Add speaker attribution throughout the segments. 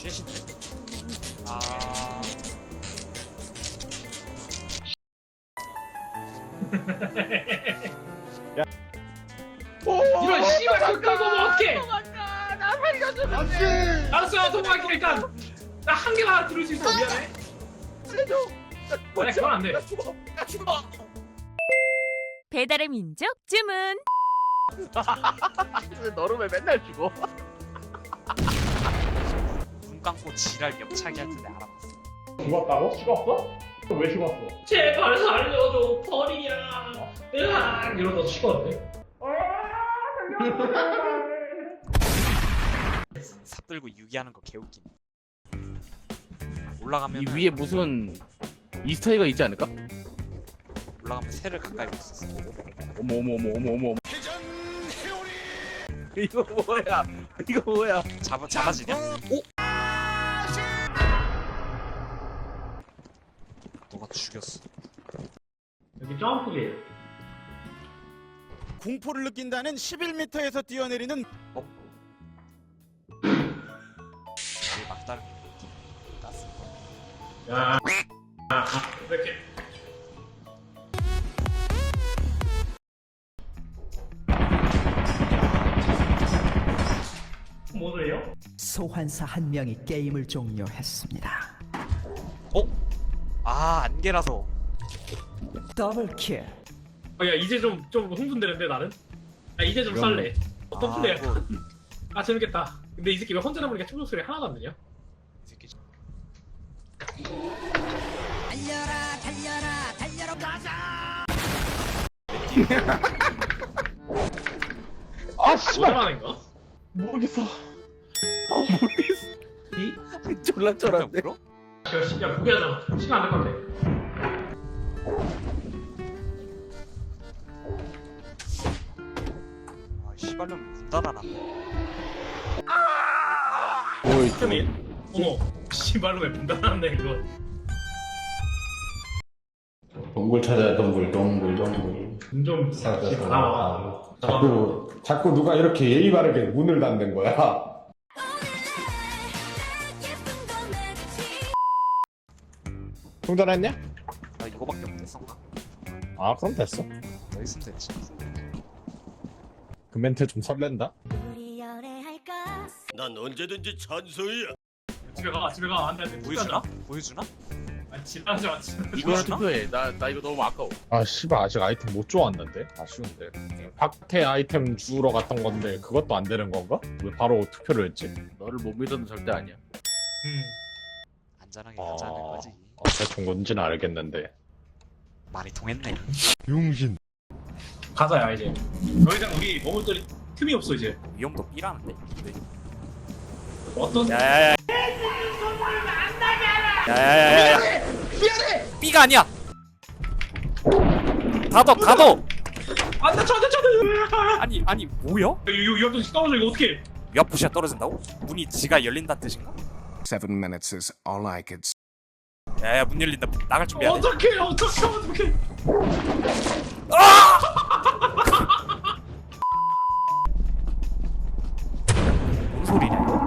Speaker 1: 쉣인데. 아.
Speaker 2: 이런 씨발 그 끌고 뭐 어떡해?
Speaker 3: 도망가. 나 살려주는데.
Speaker 2: 알았어, 도망갈게 일단. 나 한 개만 들을 수 있어. 미안해.
Speaker 3: 살려줘.
Speaker 2: 아니 그건 안 돼.
Speaker 3: 나 죽어. 나 죽어.
Speaker 4: 배달의 민족 주문.
Speaker 3: 너는 왜 맨날 죽어?
Speaker 1: 눈 감고 지랄 옆차기 할 텐데 알아봤어.
Speaker 5: 죽었다고? 죽었어? 왜 죽었어?
Speaker 2: 제발 살려줘, 버리야. 으악 이러다 죽었네.
Speaker 1: 삽 들고 유기하는 거 개웃긴. 올라가면
Speaker 6: 이 위에 무슨 이스터에가 있지 않을까?
Speaker 1: 올라가면 새를 가까이 볼 수 있어.
Speaker 6: 어머 어머 어머 어머 어머. 이거 뭐야? 이거 뭐야?
Speaker 1: 잡아지냐? 오! 너가 죽였어.
Speaker 2: 여기 점프기.
Speaker 7: 공포를 느낀다는 11m에서 뛰어내리는
Speaker 1: 이게 막다른 가스.
Speaker 2: 야, 이렇게. 뭐래요?
Speaker 8: 소환사 한 명이 게임을 종료했습니다.
Speaker 1: 어? 아 안개라서.
Speaker 8: 더블킬.
Speaker 2: 야 이제 좀 흥분되는데 나는. 야 이제 좀 쌀래. 어떤 플레이야?
Speaker 1: 이거
Speaker 2: 아 재밌겠다. 근데 이 새끼 왜 혼자 남으니까 충격 소리 하나도 안 들려?
Speaker 1: 이 새끼
Speaker 5: 아 씨발!
Speaker 2: 오자마인가?
Speaker 5: 모르겠어.
Speaker 2: 이?
Speaker 6: 졸라
Speaker 1: 그냥
Speaker 6: 쩔었네.
Speaker 1: 물어?
Speaker 2: 야 포기하자. 시간 안 될 것 같아.
Speaker 1: 아 씨발놈 문 닫아놨네.
Speaker 6: 오이
Speaker 2: 틈이. 어머. 씨발로 왜문 닫았네 이거.
Speaker 5: 동굴 찾아야 동굴.
Speaker 2: 좀
Speaker 5: 자꾸 누가 이렇게 예의 바르게 문을 닫는 거야. 충전했냐?
Speaker 1: 나 이거밖에 못했어.
Speaker 5: 아 그럼 됐어.
Speaker 1: 너 있으면 됐지.
Speaker 5: 그 멘트 좀 설렌다.
Speaker 7: 난 언제든지 찬성이야.
Speaker 2: 집에 가 안돼.
Speaker 1: 보여주나? 보여주나?
Speaker 2: 아니 지나지 마.
Speaker 6: 이거나 투표해. 나 이거 너무 아까워.
Speaker 5: 아 씨발 아직 아이템 못 좋았는데 아쉬운데. 밖에 아이템 주우러 갔던 건데 그것도 안 되는 건가? 왜 바로 투표를 했지?
Speaker 6: 너를 못 믿어도 절대 아니야.
Speaker 1: 안전하게 가자는 거지.
Speaker 5: 대충 뭔지는 알겠는데.
Speaker 1: 말이 통했네.
Speaker 5: 용신.
Speaker 2: 가자야 이제. 더 이상 우리 머물 때 틈이 없어 이제.
Speaker 1: 위험도 B라는데? 네.
Speaker 2: 어떤?
Speaker 1: 야야야. 야야야야.
Speaker 3: 미안해.
Speaker 1: B가 아니야. 닫어.
Speaker 2: 안돼 저한테.
Speaker 1: 아니 뭐야?
Speaker 2: 이 앞에 떨어져 이거 어떻게?
Speaker 1: 위아프시아 떨어진다고? 문이 지가 열린다는 뜻인가?
Speaker 9: 7 minutes is all I could
Speaker 1: 야야 문 열린다. 나갈 준비해야 돼.
Speaker 2: 어떻게?
Speaker 1: 뭔 소리냐 이거?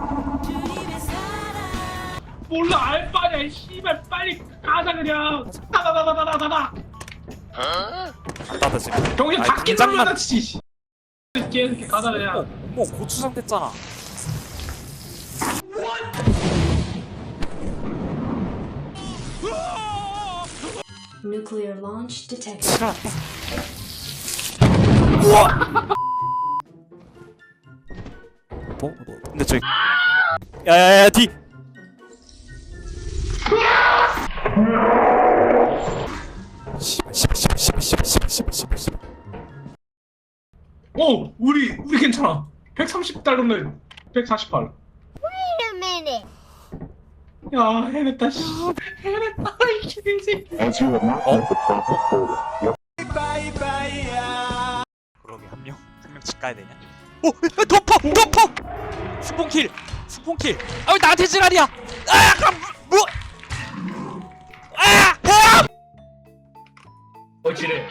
Speaker 2: 몰라 알바냐 이 씨발 빨리 가자 그냥. 다다다다다다다.
Speaker 1: 나다 지금.
Speaker 2: 정신
Speaker 1: 아이,
Speaker 2: 닫기
Speaker 1: 당장만-
Speaker 2: 눌러다 치지. 이렇게 가자 그냥.
Speaker 1: 어머 고추장 됐잖아.
Speaker 10: Nuclear launch detected.
Speaker 1: 지랄았다. 뭐? 근데 저기 야야야 뒤. 씨발.
Speaker 2: 우리 괜찮아. 130달러네. 148.
Speaker 10: Wait a minute.
Speaker 2: 야 해냈다 씨. 해냈다 이 개새끼.
Speaker 1: 그러게 한 명 집 가야 되냐? 오! 덮어! 수pon킬! 아 왜 나한테 지랄이야! 아! 그럼 뭐! 아!
Speaker 2: 지뢰.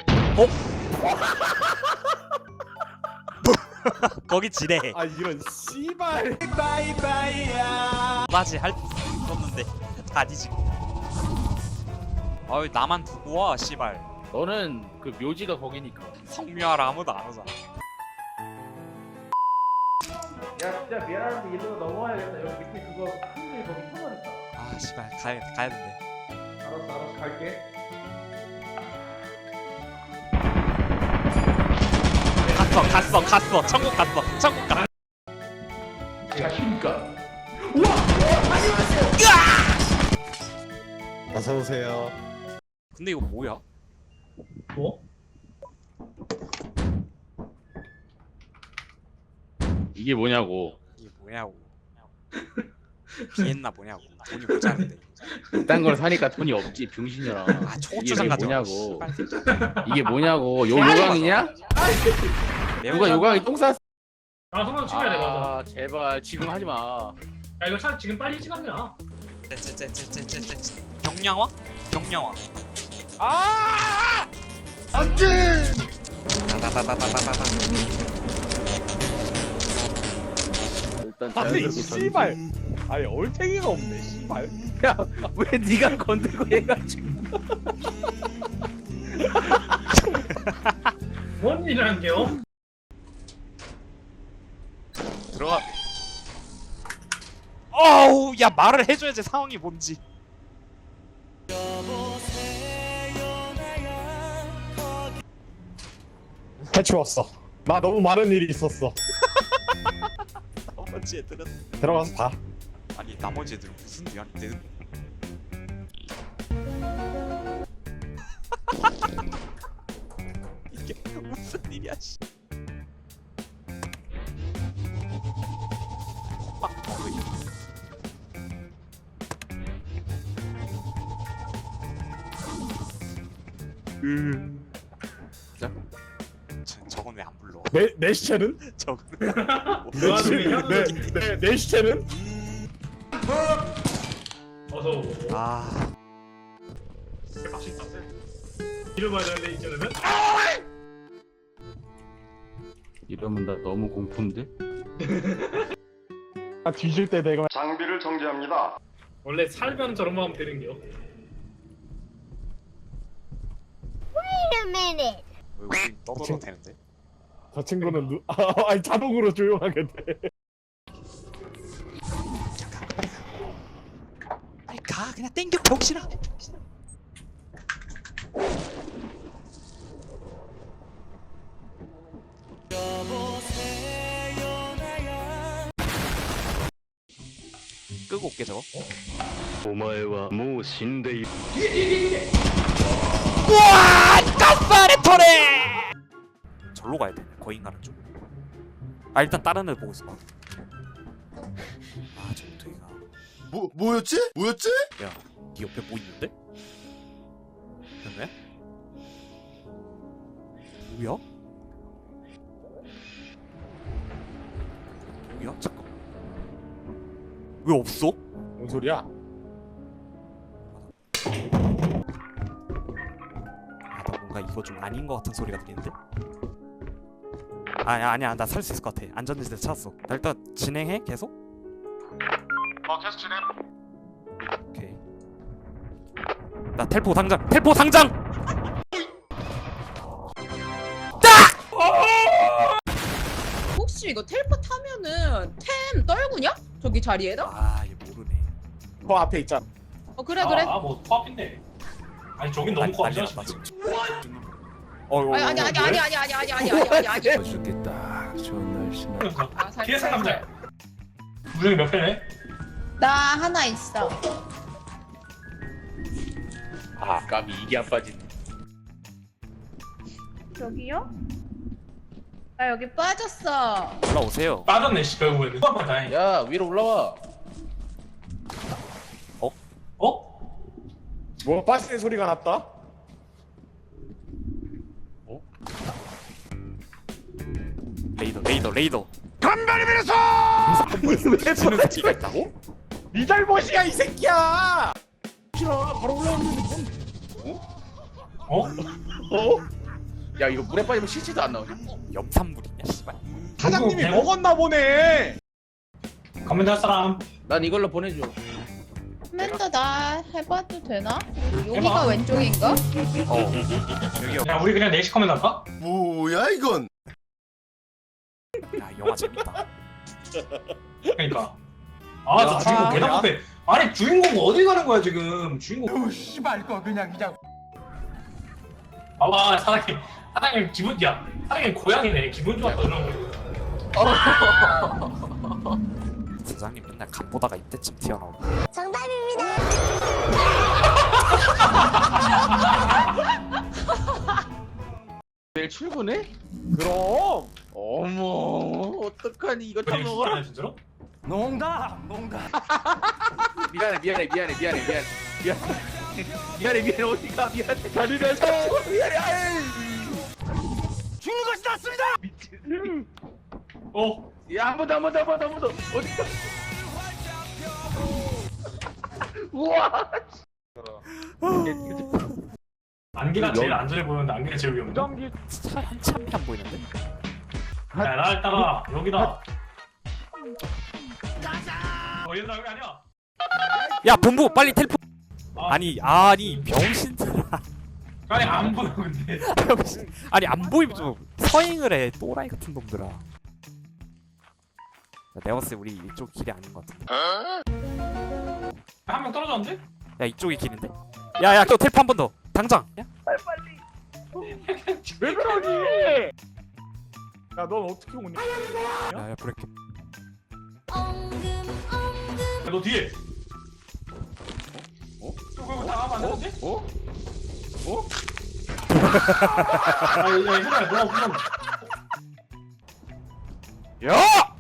Speaker 1: 거기 지뢰.
Speaker 5: 아 이런 씨발.
Speaker 1: 그다지 할 수 있었는데 다 뒤지고. 아유 나만 두고 와 씨발.
Speaker 6: 너는 그 묘지가 거기니까.
Speaker 1: 성묘하라 아무도 안 오잖아.
Speaker 2: 야 진짜 미안한데 일로 넘어와야겠다. 여기 밑에 그거 큰일 거기 터널 있다.
Speaker 1: 아 씨발 가야 된대.
Speaker 2: 알았어 갈게.
Speaker 1: 갔어. 천국 갔어.
Speaker 2: 안녕하십니까.
Speaker 5: 어서 오세요.
Speaker 1: 근데 이거 뭐야?
Speaker 2: 뭐?
Speaker 6: 이게 뭐냐고.
Speaker 1: 이게 뭐냐고. 비엔나 뭐냐고. 돈이 모자란데.
Speaker 6: 이딴 걸 사니까 돈이 없지 병신이라.
Speaker 1: 아 초고추장 가져.
Speaker 6: 뭐냐고. 이게 뭐냐고. 요강이냐? 누가 요강이 똥 쌌어?
Speaker 2: 아 성남 찍어야 돼 맞아.
Speaker 6: 아 제발 지금 하지 마.
Speaker 2: 야 이거 차 지금 빨리 찍었냐?
Speaker 1: 경량화?
Speaker 3: 안돼.
Speaker 1: 다다다다다다다.
Speaker 6: 일단
Speaker 5: 아니
Speaker 6: 자연스럽게
Speaker 5: 씨발. 아니 얼탱이가 없네 씨발.
Speaker 6: 왜 네가 건들고 얘가 지금?
Speaker 2: 뭔 일이라는 게요?
Speaker 1: 들어가. 어우 야 말을 해줘야지 상황이 뭔지.
Speaker 5: 해치웠어. 나 너무 많은 일이 있었어.
Speaker 1: 나머지 애들은
Speaker 5: 들어가서 봐.
Speaker 1: 아니 나머지 애들은 무슨 일인데? 이게 무슨 일이야 씨. 저건 왜 안 불러?
Speaker 5: 내 시체는?
Speaker 1: 저건
Speaker 5: 내 시체는?
Speaker 2: 어서 오고.
Speaker 1: 아
Speaker 2: 맛있다. 이러봐야 되는데 이제는.
Speaker 6: 이러면 나 너무 공포인데?
Speaker 5: 아 뒤질 때 내가
Speaker 3: 장비를 정지합니다.
Speaker 2: 원래 살면 저런 마음 되는 게요.
Speaker 10: Wait a minute.
Speaker 1: 왜 우리 떠들어도 되는데?
Speaker 5: 저 친구는 아니 자동으로 조용하게 돼.
Speaker 1: 빨리 가 그냥 땡겨 병신아. 끄고 올게 저거. 우와 가스레토레. 절로 가야 돼. 거인 가는 쪽. 아 일단 다른 애 보고 있어. 아 정토이가.
Speaker 3: 뭐였지?
Speaker 1: 야, 네 옆에 뭐 있는데? 왜? 뭐야? 뭐야? 잠깐. 왜 없어?
Speaker 5: 뭔 소리야?
Speaker 1: 아, 나 뭔가 이거 좀 아닌 것 같은 소리가 들리는데? 아니야, 나 살 수 있을 것 같아. 안전지대 찾았어. 나 일단 진행해, 계속?
Speaker 3: 계속 진행.
Speaker 1: 오케이. 나 텔포 당장!
Speaker 11: 혹시 이거 텔포 타면은 템 떨구냐? 저기 자리에다?
Speaker 1: 아, 얘 모르네.
Speaker 5: 저 앞에 있잖아.
Speaker 11: 그래.
Speaker 2: 아뭐 코앞인데. 아니 저긴 너무 코앞이야.
Speaker 1: 난리 났다, 지금.
Speaker 11: 아니.
Speaker 8: 죽겠다. 좋은 날씨나.
Speaker 2: 뒤에 상남자. 무정이 몇 패네?
Speaker 11: 나 하나 있어.
Speaker 6: 아 까비 이게 안 빠지네.
Speaker 11: 저기요? 나 여기 빠졌어.
Speaker 1: 올라오세요.
Speaker 2: 빠졌네 씨 결국에는. 코앞만 다행이야.
Speaker 6: 야 위로 올라와.
Speaker 2: 어?
Speaker 5: 뭐 빠지는 소리가 났다?
Speaker 1: 레이더.
Speaker 3: 간발이 밀어서.
Speaker 1: 지는 새끼가 있다고?
Speaker 5: 네 잘못이야 이 새끼야. 싫어. 바로 올라오는데
Speaker 2: 어?
Speaker 6: 야 이거 물에 빠지면 실지도 안 나오냐?
Speaker 1: 염산물이냐 씨발.
Speaker 5: 사장님이
Speaker 2: 누구?
Speaker 5: 먹었나 보네.
Speaker 2: 커맨드 할 사람.
Speaker 6: 난 이걸로 보내줘.
Speaker 11: 커맨더 나 해봐도 되나? 여기가
Speaker 2: 해봐.
Speaker 11: 왼쪽인가?
Speaker 1: 여기요.
Speaker 2: 야 우리 그냥 넷시 커맨드 할까?
Speaker 3: 뭐야 이건?
Speaker 1: 야 영화 재밌다.
Speaker 2: 그러니까. 아저 주인공 개 답답해. 아니 주인공 어디 가는 거야 지금? 주인공.
Speaker 8: 씨발 거 그냥.
Speaker 2: 봐봐 사장님 기분 야 사장님 고양이네 기분 좋았다 이런 거.
Speaker 1: 사장님 맨날 간 보다가 이때쯤 튀어나오고.
Speaker 10: 정답입니다.
Speaker 6: 내일 출근해? 그럼. 어머 어떡하니 이거 다 먹어라.
Speaker 2: 진짜로?
Speaker 8: 농담.
Speaker 6: 미안해 어디가 미안해 자리에서 미안해. 아이.
Speaker 3: 죽는 것이 낫습니다.
Speaker 2: 어?
Speaker 6: 야 한 번 더 어디가? 우와.
Speaker 2: 안개가 제일 안전해 보이는데 안개가 제일 위험해.
Speaker 1: 차 한참이 안 보이는데?
Speaker 2: 야 나 따라 여기다. 얘들아 여기 아니야.
Speaker 1: 야 본부 빨리 텔포.
Speaker 2: 아.
Speaker 1: 아니 병신들아.
Speaker 2: 아니 안 보여 근데.
Speaker 1: 병신. 아니 안 보이면 좀 서행을 해. 또라이 같은 놈들아. 내가 봤을 때 우리 이쪽 길이 아닌 것 같은데.
Speaker 2: 한 명 떨어졌는데?
Speaker 1: 야 이쪽이 길인데? 야야 또 텔포 한 번 더. 당장. 야?
Speaker 6: 왜 그러니?
Speaker 5: 야, 넌 어떻게 오냐?
Speaker 1: 야야 브레이크.
Speaker 2: 야, 너 뒤에. 저거 다 가면 안 되는데? 야 얘들아 너가 그냥.
Speaker 1: 야!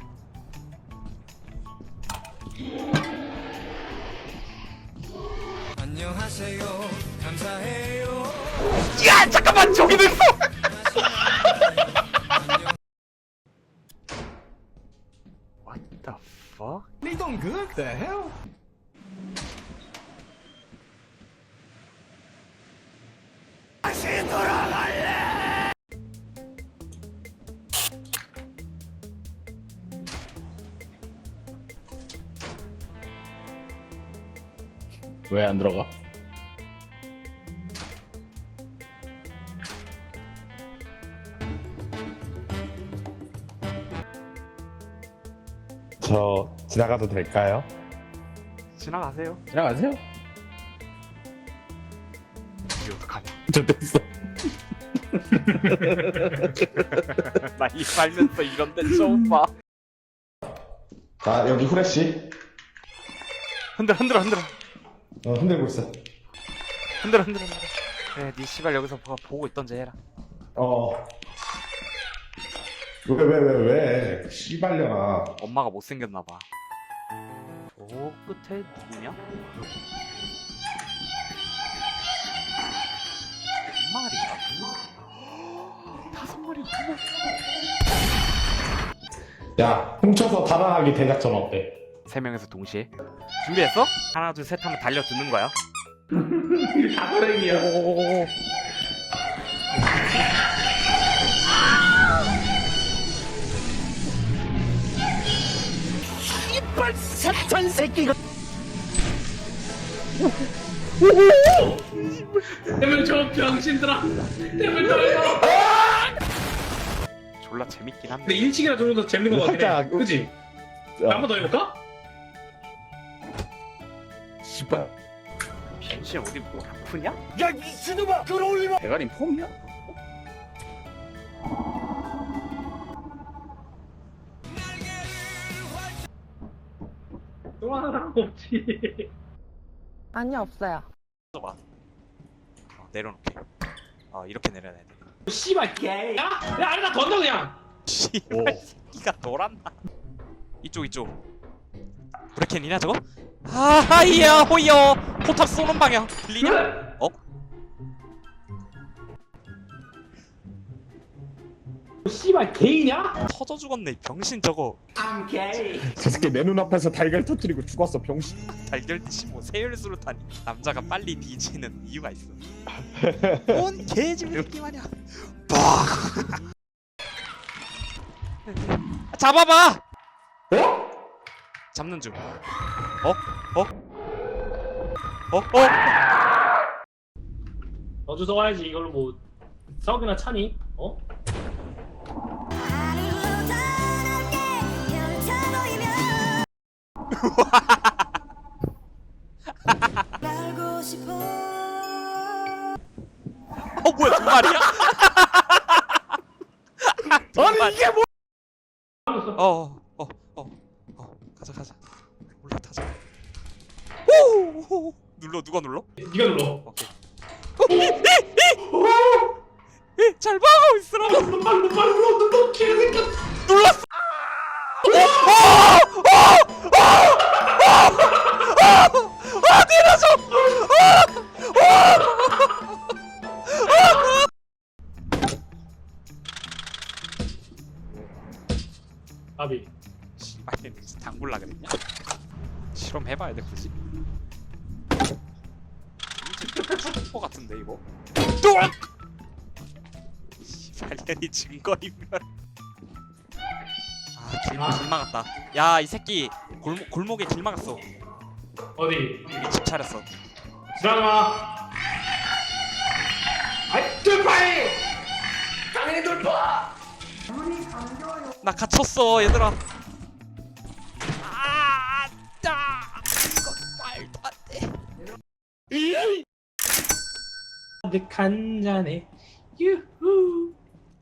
Speaker 8: 안녕하세요. 감사해요.
Speaker 1: 야 잠깐만 저기도 있어. What the fuck?
Speaker 8: They don't good the hell?
Speaker 5: 왜 안 들어가? 저 지나가도 될까요?
Speaker 1: 지나가세요.
Speaker 6: 지나가세요.
Speaker 1: 이게 어떡하냐?
Speaker 5: 저 됐어.
Speaker 1: 나 이 살면서 이런 데 처음 봐.
Speaker 5: 자, 여기 후레쉬.
Speaker 1: 흔들어.
Speaker 5: 흔들고 있어.
Speaker 1: 흔들어. 그래 니 씨발 여기서 보고 있던지 해라.
Speaker 5: 왜? 씨발려나.
Speaker 1: 엄마가 못생겼나봐. 저 끝에 누구냐? 몇 마리야? 5마리.
Speaker 5: 야, 훔쳐서 달아나기 대작전 어때?
Speaker 1: 3명에서 동시에 준비했어? 하나 둘 셋 하면 달려드는 거야.
Speaker 6: 사고랭이야.
Speaker 3: 삽천 새끼가.
Speaker 2: 대면 저 병신들아. 대면 떨려.
Speaker 1: 졸라 재밌긴 한데.
Speaker 2: 근데 1층이라 좀 더 재밌는 거 같긴 해.
Speaker 5: 살짝,
Speaker 2: 그치? 한 번 더 해볼까?
Speaker 5: 씨발.
Speaker 1: 병신 어디 뭐 아프냐?
Speaker 3: 야 미친놈아 끌어올리마.
Speaker 6: 대가리 폼이야?
Speaker 2: 또 하나 없지.
Speaker 11: 아니 없어요.
Speaker 1: 봐. 내려놓게. 이렇게 내려놔야 돼.
Speaker 2: 씨발 개. 야 아니다 던져 그냥.
Speaker 1: 씨발 새끼가 놀았나? 이쪽. 브레켄이냐 저거? 하이야 호이요. 포탑 쏘는 방향 들리냐?
Speaker 2: 씨발 개이냐?
Speaker 1: 터져 죽었네 병신 저거.
Speaker 5: 저 새끼 내 눈앞에서 달걀 터뜨리고 죽었어, 병신.
Speaker 1: 달걀듯이 뭐 세열수로 타니 남자가 빨리 뒤지는 이유가 있어. 뭔 개집새끼 마냥. 잡아봐. 잡는 중.
Speaker 2: 너 주워 와야지. 이걸로 뭐 싸우기나 차니? 어?
Speaker 1: 뭐야 두 마리야? 아니 이게 뭐? 가자. 올라타자. 오! 눌러 누가 눌러?
Speaker 2: 네가 눌러.
Speaker 1: 오케이. 잘 봐, 있으라.
Speaker 2: 눌러 개새끼.
Speaker 1: 눌렀어. 내려줘.
Speaker 2: 아비.
Speaker 1: 씨발 무슨 당골라 그랬냐? 실험 해봐야 돼 굳이? 이제 죽을 것 같은데 이거? 씨발년이 증거이면 길 막았다. 야 이 새끼 골목에 길 막았어.
Speaker 2: 어디?
Speaker 1: 이미 집 차렸어.
Speaker 2: 지나가. 아이 돌파해. 당연히 돌파.
Speaker 1: 나 갇혔어 얘들아. 이거 말도 안돼.
Speaker 2: 한 잔에 유후.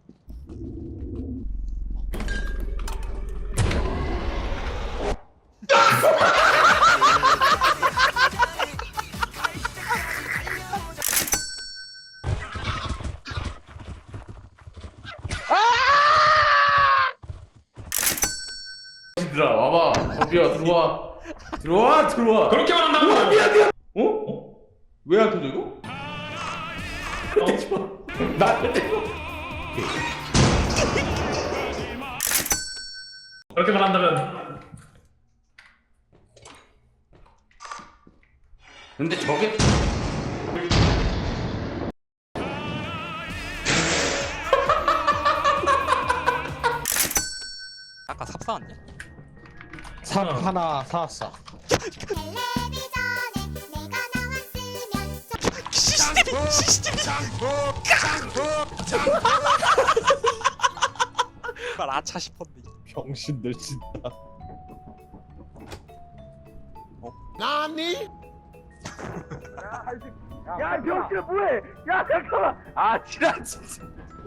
Speaker 6: 얘들아 와봐. 거비야 들어와.
Speaker 2: 그렇게만 한다고. 미안.
Speaker 6: 어? 왜 안 터져 이거?
Speaker 2: 그렇게만 한다면.
Speaker 6: 근데 저게
Speaker 1: 아까 삽 사왔냐?
Speaker 5: 삽 하나 사왔어.
Speaker 1: CCTV. 말 아차 싶었네.
Speaker 5: 병신들 진짜.
Speaker 3: 나니?
Speaker 6: 야 병신아 뭐해? 야 잠깐만. 아 지랄 진짜.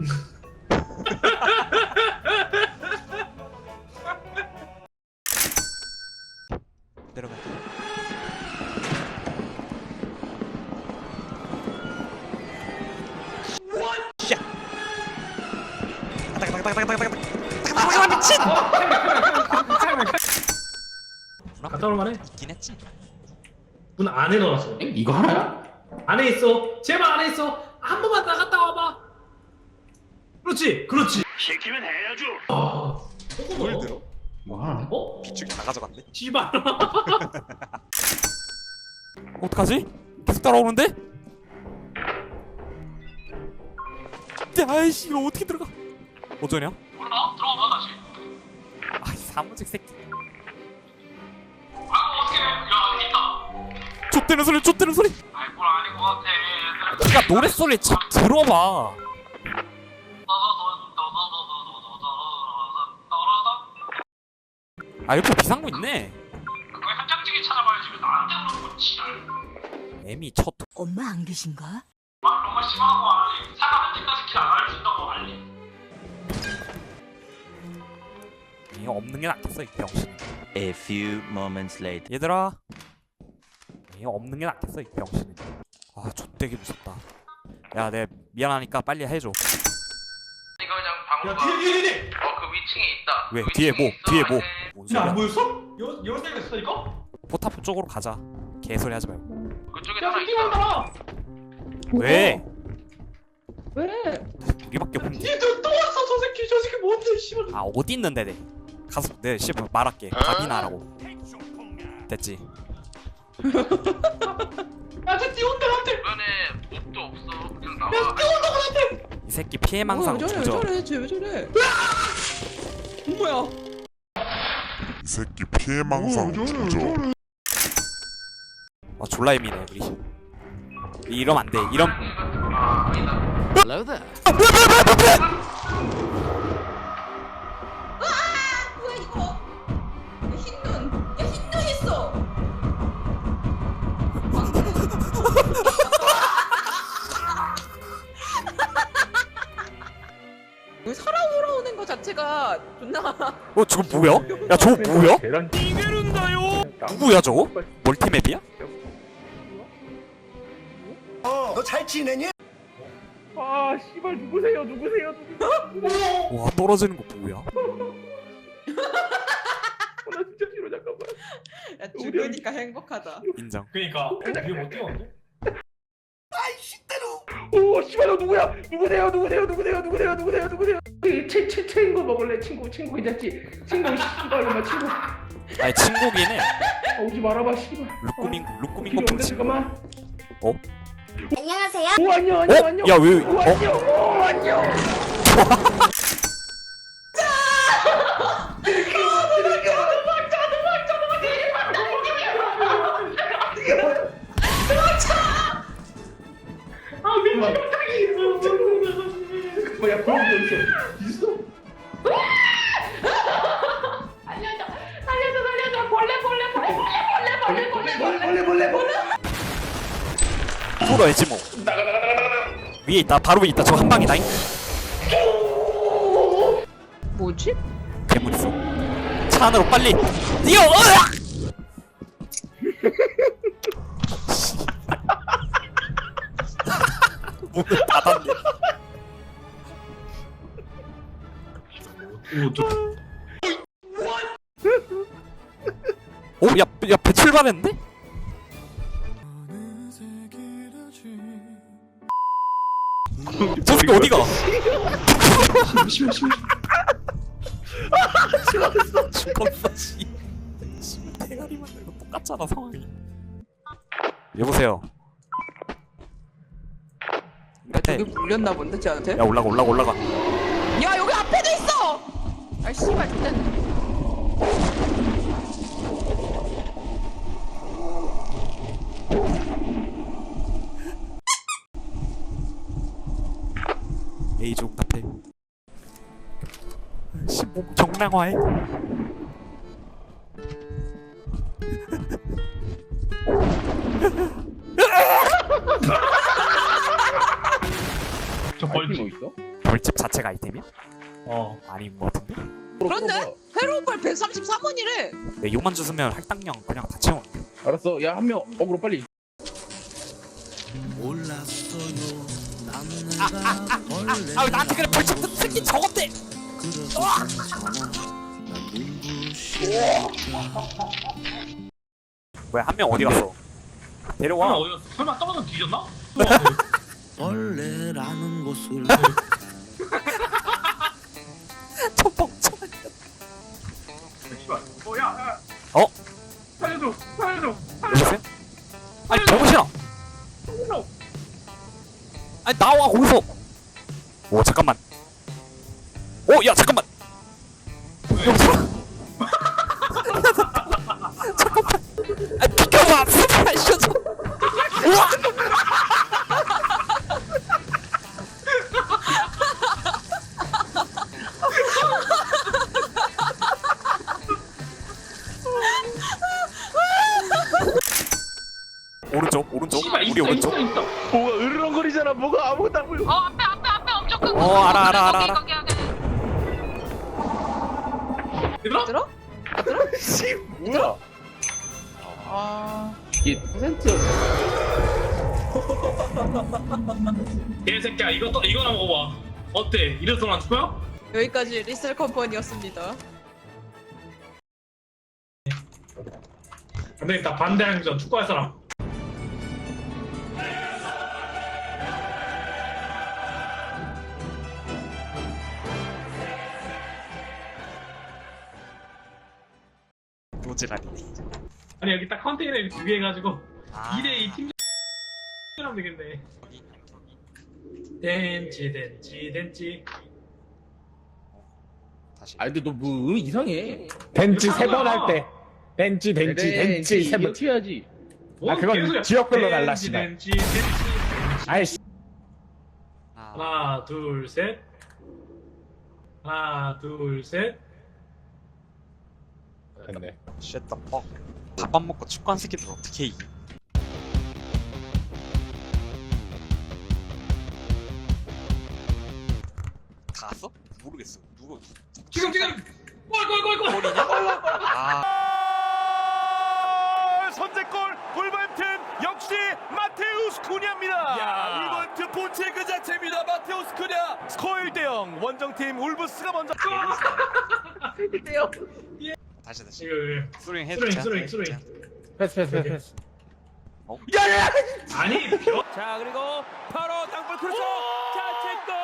Speaker 1: 내려가. 미친!
Speaker 2: 갔다 올만해.
Speaker 1: 있긴 했지.
Speaker 2: 문 안에 넣어놨어.
Speaker 6: 이거 하나야?
Speaker 2: 안에 있어. 제발 안에 있어. 한 번만 나갔다 와봐. 그렇지.
Speaker 3: 시키면 해야죠.
Speaker 1: 뭘 들어?
Speaker 6: 뭐 하나?
Speaker 2: 어?
Speaker 1: 비축이 다 가져갔네.
Speaker 2: 씨발.
Speaker 1: 어떡하지? 계속 따라오는데? 아이씨 이거 어떻게 들어가? 어쩌냐?
Speaker 2: 몰라. 들어가 다시.
Speaker 1: 아이 사무직 새끼.
Speaker 2: 어떻게? 야 있다.
Speaker 1: 좆대는 소리.
Speaker 2: 아이 뭘 아닌 것 같아.
Speaker 1: 네가 노래 소리 참 들어봐. 아 옆에 비상구 있네.
Speaker 2: 그거 현장직이 찾아봐야지. 왜 나한테 그러는 거지?
Speaker 1: 애미 첫.
Speaker 4: 엄마 안 계신가?
Speaker 2: 정말 심하고 알리. 사과 현장까지 길 안 알려준다고 알리.
Speaker 1: 이거 없는 게 낫겠어 이 병신.
Speaker 7: A few moments later.
Speaker 1: 얘들아. 이거 없는 게 낫겠어 이 병신. 아 좆되게 무섭다. 야 내 미안하니까 빨리 해줘.
Speaker 12: 이거 그냥 방으로
Speaker 2: 뒤에.
Speaker 12: 그 위층에 있다.
Speaker 1: 왜
Speaker 12: 그
Speaker 1: 뒤에
Speaker 12: 위층에
Speaker 1: 뭐 뒤에 뭐?
Speaker 2: 야
Speaker 1: 뭔
Speaker 2: 안
Speaker 1: 소리야?
Speaker 2: 보였어? 열쇠가 있었다니까?
Speaker 1: 포탑 쪽으로 가자. 개소리 하지 말고.
Speaker 12: 그쪽에
Speaker 2: 야
Speaker 12: 하나
Speaker 2: 새끼가
Speaker 12: 있어.
Speaker 2: 따라.
Speaker 1: 왜?
Speaker 11: 왜?
Speaker 1: 우리밖에 없는데.
Speaker 2: 뒤에 또 왔어. 저 새끼 뭔데 씨발.
Speaker 1: 아 어디 있는데 내? 가서 내 씨발 말할게. 답이나 하라고. 됐지.
Speaker 2: 야쟤 뛰어온다 나한테.
Speaker 12: 주변에 몹도 없어. 그냥 나와.
Speaker 2: 야 뛰어온다 나한테.
Speaker 1: 이 새끼 피해망상
Speaker 11: 왜
Speaker 1: 조져.
Speaker 11: 저래? 쟤 왜 저래? 뭐야?
Speaker 9: 새끼 피해망상 조져.
Speaker 1: 아 졸라 예민해 우리. 이러면 안 돼. 이런.
Speaker 6: Hello there.
Speaker 11: 뭐야 이거? 야, 흰눈. 야 흰눈 있어. 여기 사람 돌아오는 거 자체가 존나.
Speaker 1: 저거 뭐야? 야 저거 뭐야?
Speaker 5: 계란
Speaker 1: 누구야 저거? 멀티맵이야?
Speaker 3: 너 잘 지내니?
Speaker 6: 아 씨발 누구세요?
Speaker 1: 와 떨어지는 거 뭐야?
Speaker 6: 나 진짜 싫어 잠깐만.
Speaker 11: 야 죽으니까 행복하다.
Speaker 1: 인정.
Speaker 2: 그니까 이게 못 뛰었는데?
Speaker 6: 오 씨발 너 누구야? 누구세요? 친구 먹을래? 친구 괜찮지? 친구 씨발 이마 친구.
Speaker 1: 아니 친구긴 해.
Speaker 6: 오지 말아봐 씨발.
Speaker 1: 루꾸민 거품 친구.
Speaker 6: 잠깐만.
Speaker 10: 안녕하세요.
Speaker 6: 오 안녕.
Speaker 1: 야 왜?
Speaker 6: 오 안녕. 오 안녕. 뭐야 그런 거 있어? 벌레.
Speaker 1: 풀어야지 뭐. 위에 있다. 바로 위에 있다. 저 한 방이다잉.
Speaker 11: 뭐지?
Speaker 1: 괴물 있어. 차 안으로 빨리 뛰어. 으악! 문을 닫았네. 오, 야, 배 출발했는데? 저 새끼 어디가? 죽었어, 씨. 대가리만 들고 똑같잖아, 상황이. 여보세요.
Speaker 11: 야 저기 물렸나 본데 쟤한테?
Speaker 1: 야, 올라가.
Speaker 11: 야 여기 앞에도 있어! 아 씨발 좋댔네.
Speaker 1: A족 답해. 신봉 정량화해.
Speaker 2: 저 벌집
Speaker 6: 있어?
Speaker 1: 벌집 자체가 아이템이야?
Speaker 2: 어
Speaker 1: 아닌 것 같은데?
Speaker 11: 그런데 회로우발 133원이래.
Speaker 1: 내 요만 주스면 할당량 그냥 다 채우는데.
Speaker 6: 알았어. 야 한 명 어그로 빨리.
Speaker 1: 아, 나한테 그래 벌집 새끼 저건데. 뭐야 한 명 어디 갔어? 데려와.
Speaker 2: 설마 어디 갔어? 설마 떨어져 뒤졌나?
Speaker 7: 벌레라는 곳을
Speaker 1: 저 멍청한.
Speaker 2: 씨발 야
Speaker 1: 어?
Speaker 2: 살려줘
Speaker 1: 여보세요? 아니 정신아. 아니 나와 거기서. 오 잠깐만. 오 야 잠깐만. 여보세요? 잠깐만. 아 비켜봐. 스파이 셔츠. 우와. 오른쪽
Speaker 2: 씨발
Speaker 1: 우리
Speaker 2: 있어
Speaker 1: 오른쪽.
Speaker 6: 뭐가 으르렁거리잖아. 뭐가 아무것도 안 보여.
Speaker 12: 앞에 엄청 큰
Speaker 1: 알아.
Speaker 2: 얘들아?
Speaker 11: 들어?
Speaker 6: 씨 뭐야? 이게 퍼센트.
Speaker 2: 개새끼야 이거나 먹어봐 어때? 이래서 안 죽어요?
Speaker 11: 여기까지 리셀 컴퍼니였습니다.
Speaker 2: 근데 나 반대하기 전 축구할 사람
Speaker 1: 노지라니.
Speaker 2: 아니 여기 딱 컨테이너에 두 개 해가지고
Speaker 1: 아.
Speaker 2: 2대2 팀 하면 되겠네. 덴지
Speaker 1: 다시.
Speaker 6: 아 근데 너 뭐 이상해.
Speaker 5: 벤치 3번 할 때. 벤치 벤치 3번.
Speaker 6: 튀어야지.
Speaker 5: 아, 그건 지역별로 달라시네.
Speaker 2: 벤치.
Speaker 5: 아이씨.
Speaker 2: 하나, 둘, 셋. 하나, 둘, 셋.
Speaker 5: 됐네.
Speaker 1: 쉣다 퍽. 밥안 먹고 축구한 새끼들 어떻게 이기? 다 왔어? 모르겠어. 누구?
Speaker 2: 지금. 골.
Speaker 1: 골이냐? 아.
Speaker 3: 선제골 울버햄튼 역시 마테우스 쿠냐입니다. 울버햄튼 본체 그 자체입니다. 마테우스 쿠냐. 스코어 1대0. 원정팀 울브스가 먼저.
Speaker 1: 다시.
Speaker 2: 이거
Speaker 1: 스로잉 해주자.
Speaker 2: 스로잉.
Speaker 6: 패스.
Speaker 2: 아니,
Speaker 3: 자 그리고 바로 땅볼 크로스. 자 체크.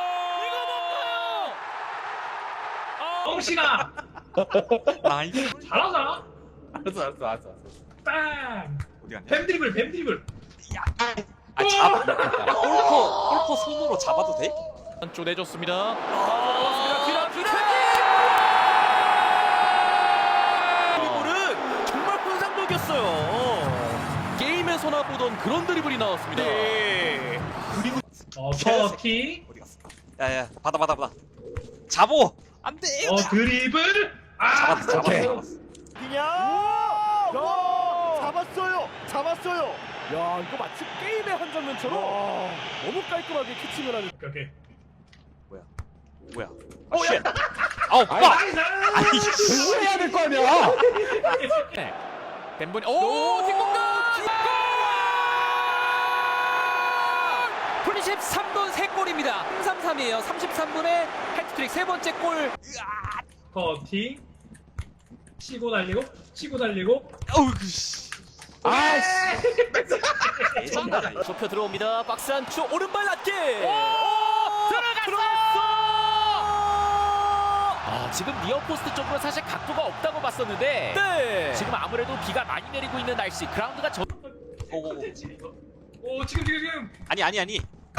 Speaker 2: 엉신아.
Speaker 1: 나이스.
Speaker 2: 잘하잖아.
Speaker 6: 알았어.
Speaker 2: 빵.
Speaker 1: 어디 갔냐?
Speaker 2: 뱀 드리블.
Speaker 1: 아 잡아. 골퍼 손으로 잡아도 돼?
Speaker 3: 한쪽 내줬습니다. 드리블은 정말 환상적이었어요. 게임에서나 보던 그런 드리블이 나왔습니다.
Speaker 2: 터키.
Speaker 1: 어디 갔어? 야야 받아. 잡어. 안 돼.
Speaker 2: 드리블.
Speaker 1: 잡았어.
Speaker 3: 잡았어요. 야 이거 마치 게임의 한 장면처럼 너무 깔끔하게 캐칭을 하는.
Speaker 2: 오케이.
Speaker 1: 뭐야? 쉣. 아우 빠. 아니
Speaker 5: 공부해야 될 거 아니야.
Speaker 3: 덴본이 뒷공간. 프리십 3분 3골입니다. 3-3이에요. 33분에 해트트릭 3번째 골.
Speaker 2: 터키. 치고 달리고.
Speaker 1: 어우 씨.
Speaker 5: 아이씨.
Speaker 1: 예전다.
Speaker 3: 좁혀 들어옵니다. 박스 안쪽 오른발 낮게. 들어갔어. 지금 니어포스트 쪽으로 사실 각도가 없다고 봤었는데 지금 아무래도 비가 많이 내리고 있는 날씨. 그라운드가
Speaker 1: 오고고.
Speaker 2: 오 지금.
Speaker 1: 아니.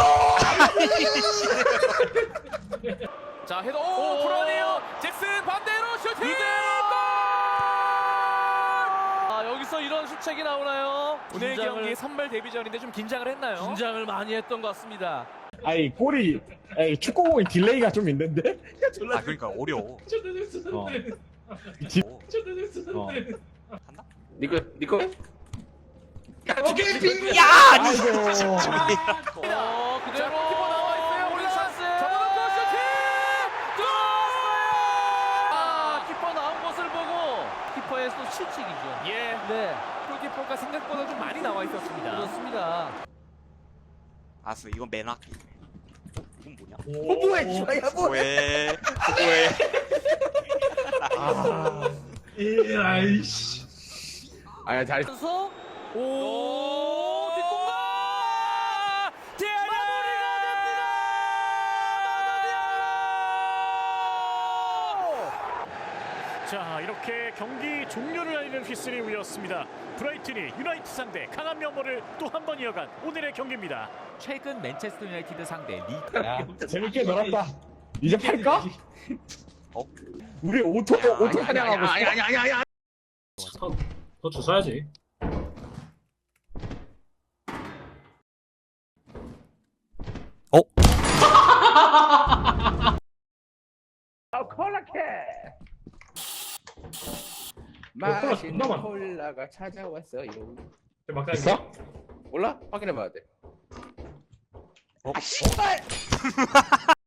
Speaker 3: 자 헤더 불안해요. 잭슨 반대로 슈팅. 여기서 이런 수책이 나오나요? 오늘 경기 선발 데뷔전인데 좀 긴장을 했나요? 긴장을 많이 했던 것 같습니다.
Speaker 5: 아니 골이 축구공이 딜레이가 좀 있는데.
Speaker 1: 아 그러니까 어려워. 한다?
Speaker 6: 니꺼.
Speaker 2: 오케이 빙.
Speaker 1: 야 아니.
Speaker 5: 아이고.
Speaker 3: 그대로 키퍼 나와 있어요. 우리 찬스. 접어놓고 슈팅. 들어왔어요. 키퍼 나온 것을 보고 키퍼의 또 실책이죠. 네. 골키퍼가 생각보다 좀 많이 나와 있었습니다. 그렇습니다.
Speaker 1: 알았어 이건 맨학기. 이건 뭐냐?
Speaker 6: 뭐해?
Speaker 1: 뭐해?
Speaker 2: 아이씨.
Speaker 6: 아야 잘.
Speaker 3: 오 뒷공간. 마무리가 됩니다.
Speaker 13: 자 이렇게 경기 종료를 알리는 휘슬이 울렸습니다. 브라이튼이 유나이트 상대 강한 면모를 또 한 번 이어간 오늘의 경기입니다.
Speaker 3: 최근 맨체스터 유나이티드 상대
Speaker 5: 야, 재밌게 놀았다. 이제 팔까? 우리 오토 사냥하고 있어.
Speaker 2: 더 주워야지.
Speaker 6: 맛있는 콜라가 찾아왔어요.
Speaker 2: 막상
Speaker 5: 있어?
Speaker 6: 몰라? 확인해봐야 돼.
Speaker 1: 아 씨발.